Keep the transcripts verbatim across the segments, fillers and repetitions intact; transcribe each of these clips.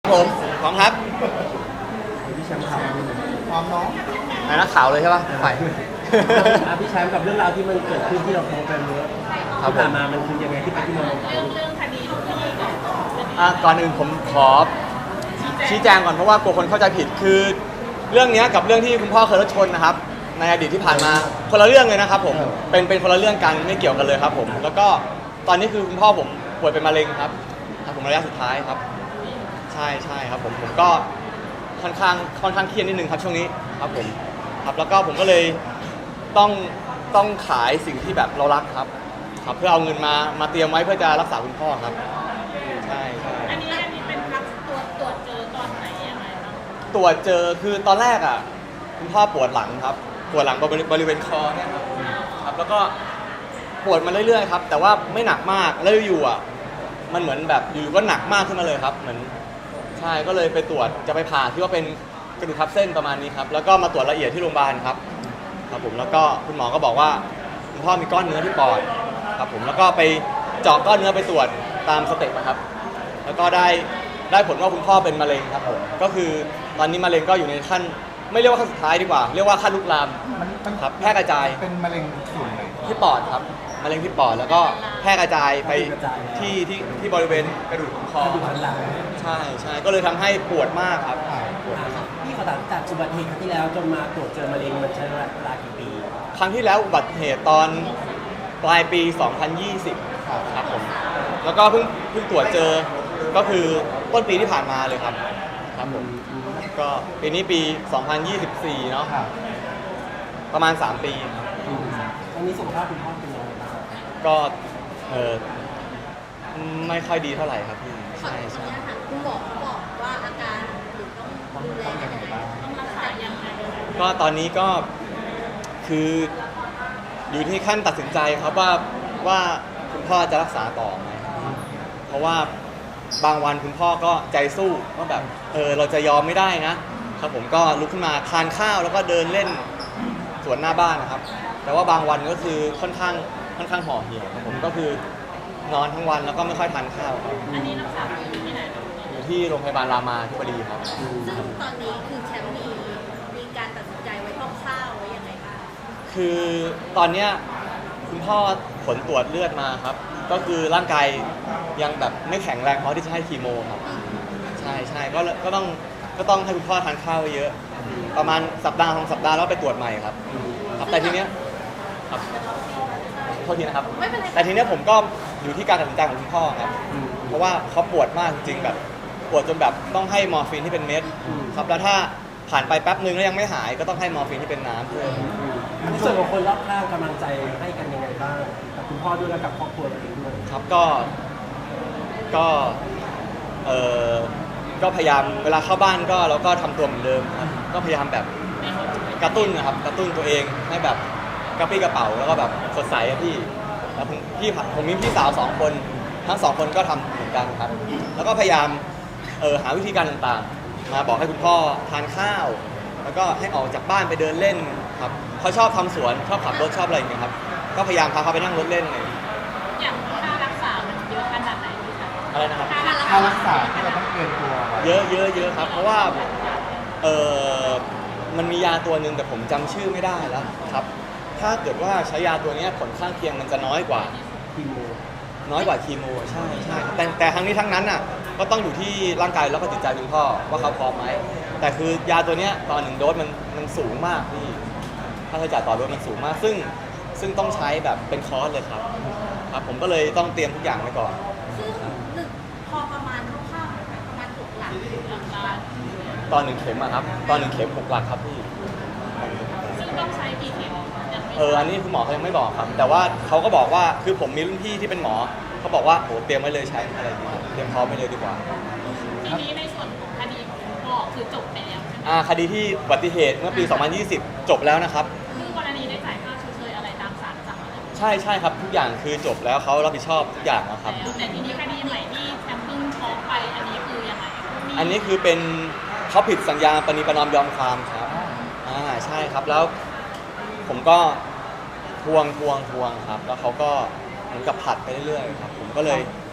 ผมพร้อมครับพี่แชมป์ข่าวพร้อมน้องไหนนักข่าวเลยใช่ป่ะไปพี่แชมป์กับเรื่องราวที่มันเกิดขึ้นที่เราโพสต์ไปเมื่อที่ผ่านมามันคือยังไงที่ไปที่มาของเรื่องเรื่องคดีอ่ะก่อนอื่นผมขอชี้แจงก่อนเพราะว่ากลัวคนเข้าใจผิดคือเรื่องนี้กับเรื่องที่คุณพ่อเคยรถชนนะครับในอดีตที่ผ่านมาคนละเรื่องเลยนะครับผมเป็นเป็นคนละเรื่องกันไม่เกี่ยวกันเลยครับผมแล้วก็ตอนนี้คือคุณพ่อผมป่วยเป็นมะเร็งครับผมระยะสุดท้ายครับใช่ใช่ครับผมผมก็ค่อนข้างค่อนข้างเครียดนิดนึงครับช่วงนี้ครับผมครับแล้วก็ผมก็เลยต้องต้องขายสิ่งที่แบบเรารักครับครับเพื่อเอาเงินมามาเตรียมไว้เพื่อจะรักษาคุณพ่อครับใช่ใช่อันนี้อันนี้เป็นครับตรวจตรวจเจอตอนไหนยังไงครับตรวจเจอคือตอนแรกอ่ะคุณพ่อปวดหลังครับปวดหลังบริเวณคอเนี่ยครับครับแล้วก็ปวดมาเรื่อยๆครับแต่ว่าไม่หนักมากแล้วอยู่อ่ะมันเหมือนแบบอยู่ก็หนักมากขึ้นมาเลยครับเหมือนใช่ก็เลยไปตรวจจะไปผ่าที่ว่าเป็นกระดูกทับเส้นประมาณนี้ครับแล้วก็มาตรวจละเอียดที่โรงพยาบาลครับครับผมแล้วก็คุณหมอก็บอกว่าคุณพ่อมีก้อนเนื้อที่ปอดครับผมแล้วก็ไปเจาะก้อนเนื้อไปตรวจตามสเต็ปนะครับแล้วก็ได้ได้ผลว่าคุณพ่อเป็นมะเร็งครับผมก็คือตอนนี้มะเร็งก็อยู่ในขั้นไม่เรียกว่าขั้นสุดท้ายดีกว่าเรียกว่าขั้นลุกลามครับแพร่กระจายเป็นมะเร็งส่วนไหนที่ปอดครับมะเร็งที่ปอดแล้วก็แพร่กระจายไปที่ที่ที่บริเวณกระดูกคอใช่ใช่ก็เลยทำให้ปวดมากครับพี่ขอถามจากอุบัติเหตุครั้งที่แล้วจนมาตรวจเจอมะเร็งมันใช้เวลากี่ปีครั้งที่แล้วอุบัติเหตุตอนปลายปีสองพันยี่สิบครับผมแล้วก็เพิ่งเพิ่งตรวจเจอก็คือต้นปีที่ผ่านมาเลยครับครับผมก็ปีนี้ปีสองพันยี่สิบสี่เนาะประมาณสามปีครับตอนนี้สุขภาพคุณพ่อเป็นยังไงบ้างก็เออไม่ค่อยดีเท่าไหร่ครับพี่ใช่ใช่คุณหมอบอกว่าอาการหรือต้องดูแลยังไงบ้างต้องรักษายังไงก็ตอนนี้ก็คืออยู่ที่ขั้นตัดสินใจครับว่าว่าคุณพ่อจะรักษาต่อไหมเพราะว่าบางวันคุณพ่อก็ใจสู้ว่าแบบเออเราจะยอมไม่ได้นะครับผมก็ลุกขึ้นมาทานข้าวแล้วก็เดินเล่นสวนหน้าบ้านนะครับแต่ว่าบางวันก็คือค่อนข้างค่อนข้างห่อเหี่ยวผมก็คือนอนทั้งวันแล้วก็ไม่ค่อยทานข้าวครับอันนี้รักษาอยู่ที่ไหนอยู่ที่โรงพยาบาลรามาธิบดีครับซึ่งตอนนี้คือแชมป์มีมีการตัดสินใจไว้คร่าวๆไว้ยังไงบ้างคือตอนเนี้ยคุณพ่อผลตรวจเลือดมาครับก็คือร่างกายยังแบบไม่แข็งแรงพอที่จะให้คีโมครับใช่ใช่ก็ก็ต้องก็ต้องให้คุณพ่อทานข้าวเยอะประมาณสัปดาห์สองสัปดาห์แล้วไปตรวจใหม่ครับครับแต่ทีเนี้ยครับโทษทีนะครับแต่ทีเนี้ยผมก็อยู่ที่การตัดสินใจของคุณพ่อครับเพราะว่าเขาปวดมากจริงแบบปวดจนแบบต้องให้มอร์ฟีนที่เป็นเม็ดครับแล้วถ้าผ่านไปแป๊บนึงแล้วยังไม่หายก็ต้องให้มอร์ฟีนที่เป็นน้ำเพิ่มในส่วนของคนรอบข้างกำลังใจให้กันยังไงบ้างกับคุณพ่อด้วยและกับครอบครัวตัวเองด้วยครับก็ก็เออก็พยายามเวลาเข้าบ้านก็เราก็ทำตัวเหมือนเดิมครับก็พยายามแบบกระตุ้นนะครับกระตุ้นตัวเองให้แบบกระปี้กระเป๋าแล้วก็แบบสดใสพี่แล้วผมพี่ผมมีพี่สาวสองคนทั้งสองคนก็ทำเหมือนกันครับแล้วก็พยายามเออหาวิธีการต่างๆมาบอกให้คุณพ่อทานข้าวแล้วก็ให้ออกจากบ้านไปเดินเล่นครับเขาชอบทำสวนชอบขับรถชอบอะไรอย่างเงี้ยครับก็พยายามพาเขาไปนั่งรถเล่นเลยอย่างค่ารักษามันเยอะขนาดไหนพี่คะอะไรนะครับค่ารักษาที่เราต้องเตรียมตัวเยอะเยอะเยอะครับเพราะว่าเออมันมียาตัวหนึ่งแต่ผมจำชื่อไม่ได้แล้วครับถ้าเกิดว่าใช้ยาตัวนี้ผลข้างเคียงมันจะน้อยกว่าคีโมน้อยกว่าคีโมใช่ใช่แต่แต่ทั้งนี้ทั้งนั้นอ่ะก็ต้องอยู่ที่ร่างกายแล้วก็จิตใจคุณพ่อว่าเขาพร้อมไหมแต่คือยาตัวนี้ตอนหนึ่งโดสมันมันสูงมากพี่ค่าใช้จ่ายต่อโดสมันสูงมากซึ่งซึ่งต้องใช้แบบเป็นคอร์สเลยครับครับผมก็เลยต้องเตรียมทุกอย่างไว้ก่อนซึ่งหนึ่งพอประมาณคร่าวๆประมาณหกหลักหลักตอนหนึ่งเข็มอะครับตอนหนึ่งเข็มหกหลักครับพี่ซึ่งต้องใช้กี่เข็มเอออันนี้คุณหมอเขายังไม่บอกครับแต่ว่าเขาก็บอกว่าคือผมมีรุ่นพี่ที่เป็นหมอเขาบอกว่าโหเตรียมไว้เลยใช้อะไรอย่างเงี้ยเตรียมพร้อมไว้เลยดีกว่าทีนี้ในส่วนของคดีของพ่อคือจบไปแล้วใช่ไหมอ่าคดีที่อุบัติเหตุเมื่อปีสองพันยี่สิบจบแล้วนะครับคือกรณีได้จ่ายค่าชดเชยอะไรตามศาลสั่งอะไรใช่ใช่ครับทุกอย่างคือจบแล้วเขารับผิดชอบทุกอย่างนะครับแต่ทีนี้คดีใหม่ที่แชมป์เพิ่งฟ้องไปอันนี้คือยังไงอันนี้คือเป็นเขาผิดสัญญาปณิประนอมยอมความครับอ่าใช่ครับแล้วผมก็ทวงทวงทวงครับแล้วเขาก็เหมือนกับผัดไปเรื่อยๆครับผมก็เลย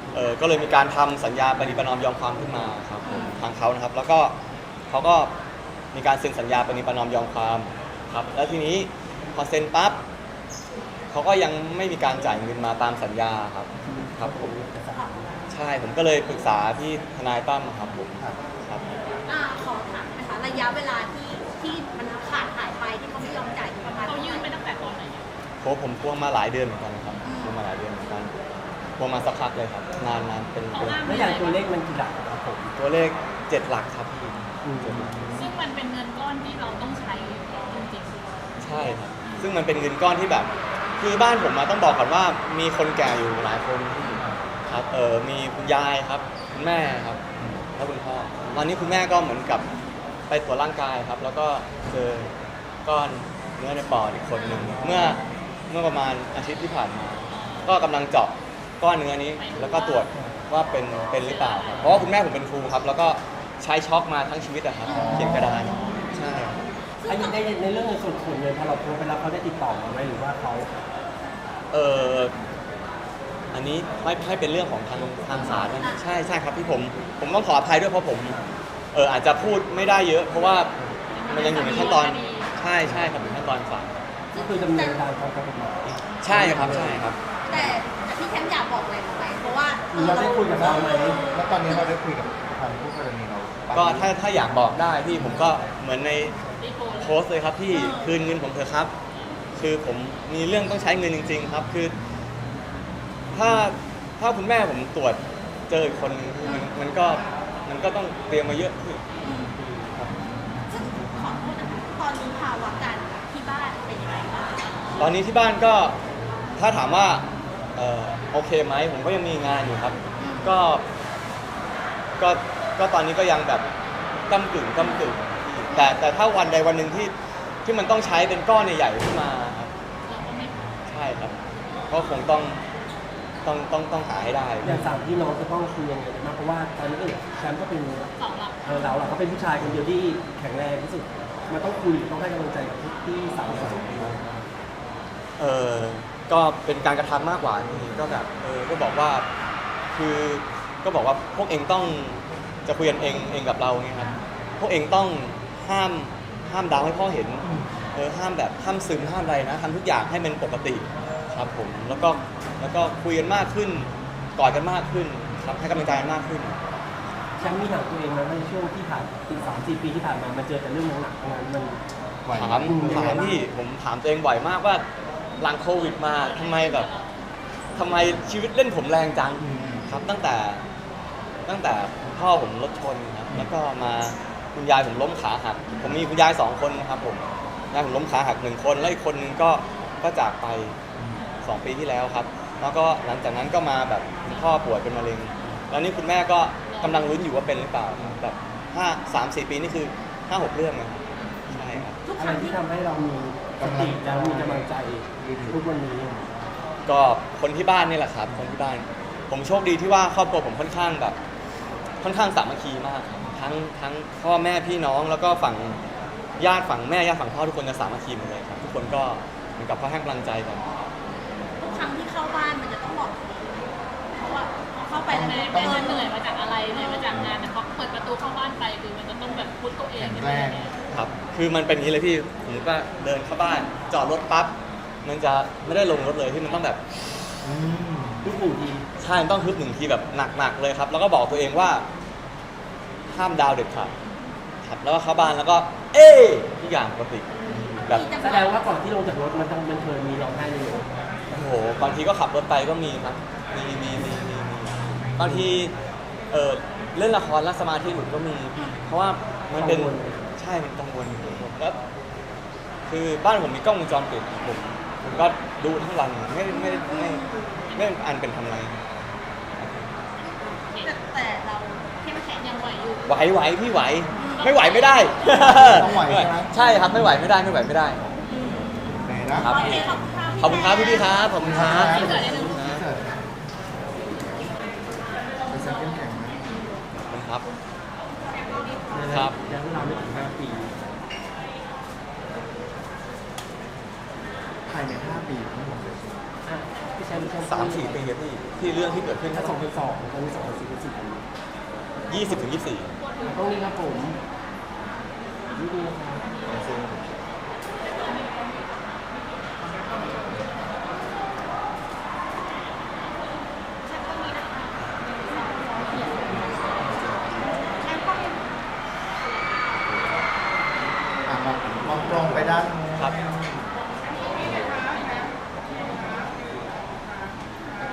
เออก็เลยมีการทำสัญญาปณิประนอมยอมความขึ้นมาครับผมทางเขานะครับ แล้วก็เขาก็มีการเซ็นสัญญาปณิประนอมยอมความครับแล้วทีนี้พอเซ็นปั๊บเขาก็ยังไม่มีการจ่ายเงินมาตามสัญญาครับครับผมใช่ผมก็เลยปรึกษาที่ทนายตั้มครับผมครับอ่าขอถามนะคะระยะเวลาที่ที่มันขาดหายไปที่เขาไม่ยอมจ่ายประมาณเขายื่นไปตั้งแต่ตอนไหนโหผมทวงมาหลายเดือนเหมือนกันนะครับทวงมาหลายเดือนเหมือนกันทวงมาสักพักเลยครับนานนานเป็นเป็นแล้วอย่างตัวเลขมันกี่หลักอะครับผมตัวเลขเจ็ดหลักครับพี่อืมเจ็ดหลักซึ่งมันเป็นเงินก้อนที่เราต้องใช้จริงใช่ครับซึ่งมันเป็นเงินก้อนที่แบบคือบ้านผมมาต้องบอกก่อนว่ามีคนแก่อยู่หลายคนครับเออมีคุณยายครับคุณแม่ครับแล้วคุณพ่อตอนนี้คุณแม่ก็เหมือนกับไปตรวจร่างกายครับ แล้วก็เจอก้อนเนื้อในปอดอีกคนหนึ่งเมื่อเมื่อประมาณอาทิตย์ที่ผ่านมา ก็กำลังเจาะก้อนเนื้อนี้ แล้วก็ตรวจว่าเป็นเป็นหรือเปล่าครับเพราะว่าคุณแม่ผมเป็นครูครับ แล้วก็ใช้ช็อกมาทั้งชีวิตอะครับเขียนกระดานใช่อันนี้ในในเรื่องในส่วนส่วนเงินพอเราโทรไปแล้วเขาได้ติดต่อมาไหมหรือว่าเขาเอออันนี้ไม่ให้เป็นเรื่องของทางทางศาลนะใช่ใช่ครับที่ผมผมต้องขออภัยด้วยเพราะผมเอออาจจะพูดไม่ได้เยอะ เพราะว่ามันยังอยู่ในขั้นตอนใช่ใช่ครับอยู่ในขั้นตอนศาลก็คือดำเนินการตามกฎหมายใช่ครับใช่ครับแต่แต่พี่แชมป์อยากบอกอะไรเขาไหมเพราะว่าเราได้คุยกับเขาไหมแล้วตอนนี้เราได้คุยกับทางผู้กรณีเราบ้งไหมก็ถ้าถ้าอยากบอกได้พี่ผมก็เหมือนในๆที่โพสต์โพสต์เลยครับพี่คืนเงินผมเถอะครับ คือผมมีเรื่องต้องใช้เงินจริง ๆ ครับ คือ ถ้าถ้าคุณแม่ผมตรวจเจออีกคนนึงมันมันก็มันก็ต้องเตรียมมาเยอะขึ้นซึ่งขอโทษนะคะตอนนี้ภาวะการที่บ้านเป็นยังไงบ้างตอนนี้ที่บ้านก็ถ้าถามว่าเอ่อโอเคไหมผมก็ยังมีงานอยู่ครับ ก็ก็ก็ตอนนี้ก็ยังแบบก้ำกึ่งก้ำกึ่งแต่แต่ถ้าวันใดวันหนึ่งที่ที่มันต้องใช้เป็นก้อนใหญ่ๆขึ้นมาครับเราก็ไม่ใช่ครับก็คงต้องต้องต้องต้องหาให้ได้อย่างสามพี่น้องจะต้องคุยยังไงกันบ้างเพราะว่าตอนนี้เออแชมป์ก็เป็นสองหลักเออเราเราก็เป็นผู้ชายคนเดียวที่แข็งแรงที่สุดมันต้องคุยต้องให้กำลังใจกับที่สาวสองคนเออก็เป็นการกระทำมากกว่านี่ก็แบบเออก็บอกว่าคือก็บอกว่าพวกเองต้องจะคุยกันเองเองกับเราไงครับพวกเองต้องห้ามห้ามดาวให้พ่อเห็นเออห้ามแบบห้ามซึมห้ามอะไรนะทำทุกอย่างให้มันปกติครับผมแล้วก็แล้วก็คุยกันมากขึ้นกอดกันมากขึ้นครับให้กำลังใจกันมากขึ้นแชมป์มีหนักตัวเองไหมในช่วงที่ผ่านปีสามสี่ปีที่ผ่านมามันเจอแต่เรื่องหนักๆทั้งนั้นมันไหวถามไหมถามที่ผมถามตัวเองบ่อยมากว่าหลังโควิดมาทำไมแบบทำไมชีวิตเล่นผมแรงจังครับตั้งแต่ตั้งแต่พ่อผมรถชนครับแล้วก็มาคุณยายผมล้มขาหักผมมีคุณยายสองคนนะครับผมยายผมล้มขาหักหนึ่งคนแล้วอีกคนนึงก็ก็จากไปสองปีที่แล้วครับ แล้วก็หลังจากนั้นก็มาแบบคุณพ่อป่วยเป็นมะเร็งแล้วนี่คุณแม่ก็กำลังลุ้นอยู่ว่าเป็นหรือเปล่าแบบห้าสามสี่ปีนี่คือห้าหกเรื่องนะครับใช่ครับทุกอะคไรรั้งที่ที่ทำให้เรามีสติแล้วมีกำลังใจทุกวันนี้ก็คนที่บ้านนี่แหละครับคนที่บ้าน ผมโชคดีที่ว่าครอบครัวผมค่อนข้างแบบ ค่อนข้างสามัคคีมากครับทั้งทั้งพ่อแม่พี่น้องแล้วก็ฝั่งญาติฝั่งแม่ญาติฝั่งพ่อทุกคนจะสามัคคีหมดเลยครับทุกคนก็เหมือนกับเขาให้กำลังใจกันทุกครั้งที่เข้าบ้านมันจะต้องบอกเพราะว่าพอเข้าไปแล้วแม่เนี่ยแม่จะเหนื่อยมาจากอะไรเหนื่อยมาจากงานแต่พอเปิดประตูเข้าบ้านไปคือมันจะต้องแบบพุทตัวเองแข็งแรงครับ คือมันเป็นอย่างนี้เลยพี่ผมก็เดินเข้าบ้าน จอดรถปั๊บ มันจะไม่ได้ลงรถเลยที่มันต้องแบบอืมทุกหนึ่งทีใช่มันต้องฮึบหนึ่งทีแบบหนักๆเลยครับ แล้วก็บอกตัวเองว่า ห้ามดาวเด็ดขาดครับ แล้วก็เข้าบ้านแล้วก็ เอ๊ะทุกอย่างปกติ แบบแสดงว่าก่อนที่ลงจากรถมันต้องมันเคยมีร้องไห้เลยโอ้โห บางทีก็ขับรถไปก็มีครับ มีมีมีมีมีบางที เออเล่นละครแล้วสมาธิหลุดก็มี เพราะว่ามันเป็น ใช่ มันกังวลแล้วคือบ้านผมมีกล้องวงจรปิดผมผมก็ดูทั้งวันไม่ไม่ไม่ไม่ไม่อันเป็นทำไรแต่แต่เราเข้มแข็งยังไหวอยู่ไหวไหวพี่ไหว ไม่ไหวไม่ได้ต้องไหวใช่ไหมใช่ครับไม่ไหวไม่ได้ไม่ไหวไม่ได้ไหนนะครับโอเคขอบคุณค่ะขอบคุณครับพี่พี่ๆครับขอบคุณครับที่เกิดที่เกิดไปเซ็นเข้มแข็งนะขอบคุณครับ ครับยังเราไม่ถึงห้าปีภายในห้าปีทั้งหมดเลยออ่ะพี่แชมป์พี่แชมป์สามสี่ปีอะพี่ที่เรื่องที่เกิดขึ้นถ้าสองพันสองตอนนี้สองพันสี่เป็นสี่ปียี่สิบถึงยี่สิบสี่ต้องนี้ครับผมนี่ดีนะครับอ่ะมองมองตรงไปด้านนู้นครับอ่